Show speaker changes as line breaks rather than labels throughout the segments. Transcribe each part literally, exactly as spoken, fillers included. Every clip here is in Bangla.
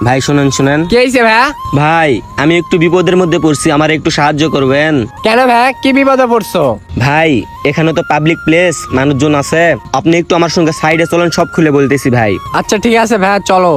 ভাই শুনেন শুনেন
কি হয়েছে ভাইয়া?
ভাই আমি একটু বিপদের মধ্যে পড়ছি, আমার একটু সাহায্য করবেন।
কেন ভাইয়া, কি বিপদে পড়ছো?
ভাই এখানে তো পাবলিক প্লেস, মানুষজন আছে, আপনি একটু আমার সঙ্গে সাইডে চলেন, সব খুলে বলতেছি ভাই।
আচ্ছা ঠিক আছে ভাইয়া, চলো।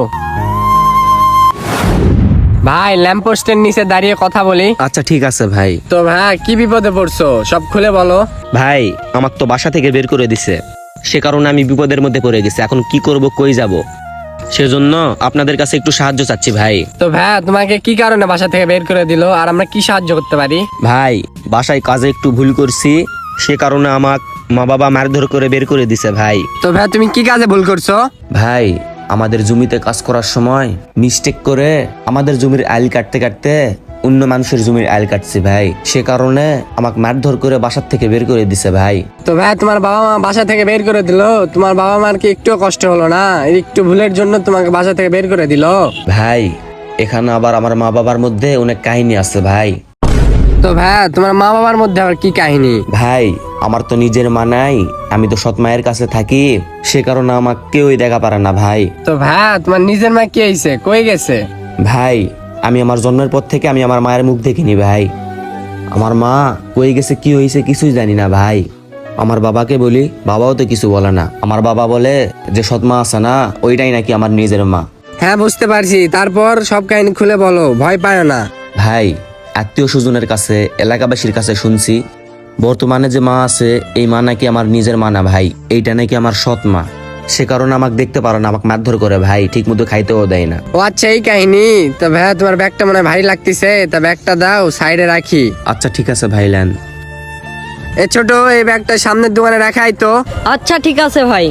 ভাই ল্যাম্পপোস্টের নিচে দাঁড়িয়ে কথা বলি।
আচ্ছা ঠিক আছে ভাই।
তো ভাইয়া কি বিপদে পড়ছো, সব খুলে বলো।
ভাই আমার তো বাসা থেকে বের করে দিছে, সে কারণে আমি বিপদের মধ্যে পড়ে গেছি, এখন কি করব, কই যাব, সেজন্য আপনাদের কাছে একটু সাহায্য চাচ্ছি ভাই।
তো ভাইয়া তোমাকে কি কারণে বাসা থেকে বের করে দিলো, আর আমরা কি সাহায্য করতে পারি?
ভাই বাসায় কাজে একটু ভুল করছি, সে কারণে আমার মা বাবা মারধর করে বের করে দিছে ভাই।
তো ভাইয়া তুমি কি কাজে ভুল করছো?
ভাই আমাদের জমিতে কাজ করার সময় মিস্টেক করে আমাদের জমির আইল কাটতে কাটতে অন্য মানুষের জমির আইল কাটছি ভাই, সে কারণে আমাকে মারধর করে বাসার থেকে বের করে দিছে ভাই।
তো ভাইয়া তোমার বাবা মা বাসা থেকে বের করে দিলো, তোমার বাবা মার কি একটু কষ্ট হলো না? একটু ভুলের জন্য তোমাকে বাসা থেকে বের করে দিলো?
ভাই এখানে আবার আমার মা বাবার মধ্যে অনেক কাহিনী আছে ভাই।
তো ভাইয়া তোমার মা বাবার মধ্যে আবার কি কাহিনী?
ভাই আমার তো নিজের মা নাই, আমি তো সৎ মায়ের কাছে থাকি, সে কারণে আমাকে কেউই দেখা পারে না ভাই।
তো ভাইয়া তোমার নিজের মা কি হয়েছে, কই গেছে?
ভাই আমি আমার জন্মের পর থেকে আমি আমার মায়ের মুখ দেখিনি ভাই, আমার মা কই গেছে কি হয়েছে কিছুই জানি না ভাই। আমার বাবাকে বলি, বাবাও তো কিছু বলে না, আমার বাবা বলে যে সৎ মা আছে না ওইটাই নাকি আমার নিজের মা।
হ্যাঁ বুঝতে পারছি, তারপর সব কাহিনী খুলে বলো, ভয় পায় না।
ভাই আত্মীয় স্বজনের কাছে এলাকাবাসীর কাছে শুনছি বর্তমানে যে মা আছে এই মা নাকি আমার নিজের মা না ভাই, এইটা নাকি আমার সৎ মা, সে কারণে আমাকে দেখতে পারে না, আমাকে মারধর করে ভাই, ঠিক মতো খাইতেও দেয় না।
ও আচ্ছা এই কাহিনী। তো ভাইয়া তোমার ব্যাগটা মনে হয় ভারী লাগতেছে, তা ব্যাগটা দাও সাইডে রাখি।
আচ্ছা ঠিক আছে ভাই লেন।
এ ছোট, এই ব্যাগটা সামনের দোকানে রাখাই তো।
আচ্ছা ঠিক আছে ভাই।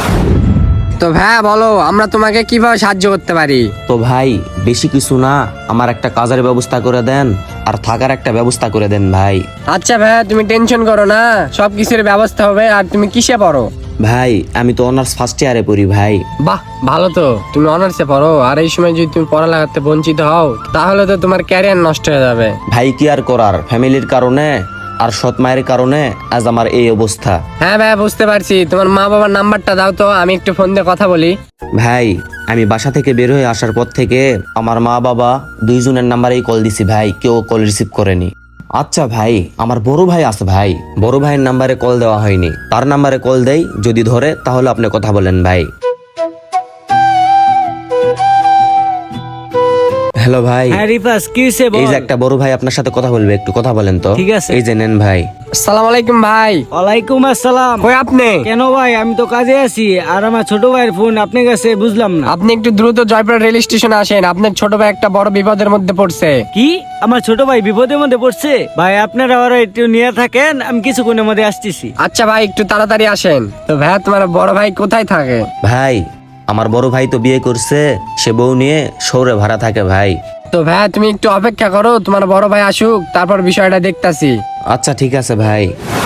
তো ভাইয়া বলো আমরা তোমাকে কিভাবে সাহায্য করতে পারি?
তো ভাই বেশি কিছু না, আমার একটা কাজের ব্যবস্থা করে দেন আর থাকার একটা ব্যবস্থা করে দেন ভাই।
আচ্ছা ভাইয়া তুমি টেনশন করো না, সব কিছুর ব্যবস্থা হবে। আর তুমি কিসে পড়ো?
ভাই আমি তো অনার্স ফার্স্ট ইয়ারে পড়ি ভাই।
বাহ ভালো তো, তুমি অনার্সে পড়ো, আর এই সময় যদি তুমি পড়ালেখাতে বঞ্চিত হও তাহলে তো তোমার ক্যারিয়ার নষ্ট হয়ে যাবে।
ভাই কি আর করার, ফ্যামিলির কারণে আর সৎ মায়ের কারণে আজ আমার এই অবস্থা।
হ্যাঁ ভাইয়া বুঝতে পারছি, তোমার মা বাবার নাম্বারটা দাও তো, আমি একটু ফোন দিয়ে কথা বলি।
ভাই আমি বাসা থেকে বের হয়ে আসার পর থেকে আমার মা বাবা দুইজনের নাম্বারেই কল দিছি ভাই, কেউ কল রিসিভ করেনি। আচ্ছা ভাই আমার বড় ভাই আছে ভাই, বড় ভাইয়ের নাম্বারে কল দেওয়া হয়নি, তার নাম্বারে কল দেই, যদি ধরে তাহলে আপনি কথা বলেন ভাই। হ্যালো ভাই।
হ্যাঁ রিফাস, কি হইছে বল?
এই যে একটা বড় ভাই আপনার সাথে কথা বলবে, একটু কথা বলেন তো।
ঠিক আছে।
এই যে নেন ভাই।
আসসালামু আলাইকুম ভাই।
ওয়ালাইকুম আসসালাম।
কই আপনি?
কেন ভাই, আমি তো কাজে আছি, আর আমার ছোট ভাইয়ের ফোন আপনার কাছে, বুঝলাম না।
আপনি একটু দ্রুত জয়পুর রেল স্টেশনে আসেন, আপনার ছোট ভাই একটা বড় বিপদের মধ্যে পড়ছে।
কি আমার ছোট ভাই বিপদের মধ্যে পড়ছে? ভাই আপনারা ওরা একটু নিয়ে থাকেন, আমি কিছুক্ষণের মধ্যে আসতেছি।
আচ্ছা ভাই একটু তাড়াতাড়ি আসেন। তো ভাইয়া তোমার বড় ভাই কোথায় থাকে?
ভাই আমার বড় ভাই তো বিয়ে করছে, সে বউ নিয়ে শহরে ভাড়া থাকে ভাই।
তো ভাইয়া তুমি একটু অপেক্ষা করো, তোমার বড় ভাই আসুক, তারপর বিষয়টা দেখতাছি।
আচ্ছা ঠিক আছে ভাই।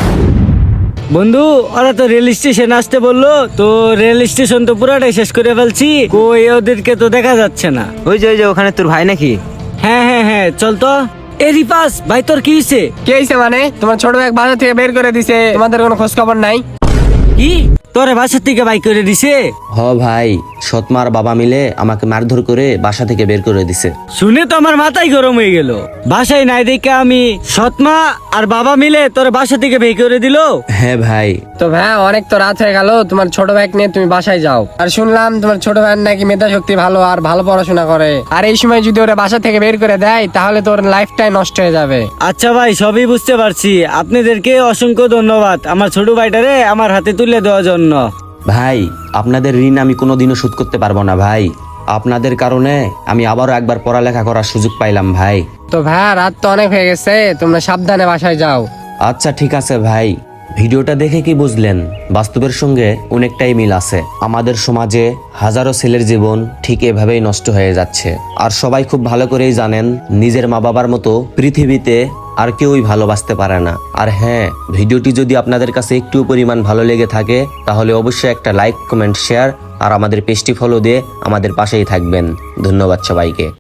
বন্ধু ওরা তো রেল স্টেশন আসতে বললো, তো রেল স্টেশন তো পুরাটাই শেষ করে ফেলছি, কই ওদেরকে তো দেখা যাচ্ছে না।
ওই যে ওই যে ওখানে তোর ভাই নাকি?
হ্যাঁ হ্যাঁ হ্যাঁ চল তো। এ রিফাস ভাই তোর কি হয়েছে?
কে হইছে মানে? তোমার ছোট ভাই বাসা থেকে বের করে দিছে, তোমাদের কোনো খোঁজ খবর নাই?
কি তোরে বাসার থেকে বাইক করে দিছে?
হ ভাই, সৎমার বাবা মিলে আমাকে মারধর করে বাসা থেকে বের করে দিছে।
শুনে তো আমার মাথায় গরম হয়ে গেল, বাসায় নাই দেখে আমি সৎমা আর বাবা মিলে তোর বাসা থেকে বের করে দিল।
হ্যাঁ ভাই।
তো ভাইয়া অনেক তো রাত হয়ে গেল, তোমার ছোট ভাই নিয়ে তুমি বাসায় যাও। আর শুনলাম তোমার ছোট ভাইয়ের নাকি মেধা শক্তি ভালো, আর ভালো পড়াশোনা করে, আর এই সময় যদি ওরা বাসা থেকে বের করে দেয় তাহলে তোর লাইফটাই নষ্ট হয়ে যাবে।
আচ্ছা ভাই সবই বুঝতে পারছি, আপনাদেরকে অসংখ্য ধন্যবাদ আমার ছোট ভাইটারে আমার হাতে তুলে দেওয়ার জন্য।
ভাই আপনাদের ঋণ আমি কোনোদিনও শোধ করতে পারবো না ভাই, আপনাদের কারণে আমি আবারও একবার পড়ালেখা করার সুযোগ পাইলাম ভাই।
তো ভাইয়া রাত তো অনেক হয়ে গেছে, তোমরা সাবধানে বাসায় যাও।
আচ্ছা ঠিক আছে ভাই। ভিডিওটা দেখে কি বুঝলেন? বাস্তবের সঙ্গে অনেকটাই মিল আছে। আমাদের সমাজে হাজারো ছেলের জীবন ঠিক এভাবেই নষ্ট হয়ে যাচ্ছে, আর সবাই খুব ভালো করেই জানেন নিজের মা বাবার মতো পৃথিবীতে আর কেউই ভালোবাসতে পারে না। আর হ্যাঁ, ভিডিওটি যদি আপনাদের কাছে একটু পরিমাণ ভালো লেগে থাকে তাহলে অবশ্যই একটা লাইক, কমেন্ট, শেয়ার আর আমাদের পেজটি ফলো দিয়ে আমাদের পাশেই থাকবেন। ধন্যবাদ সবাইকে।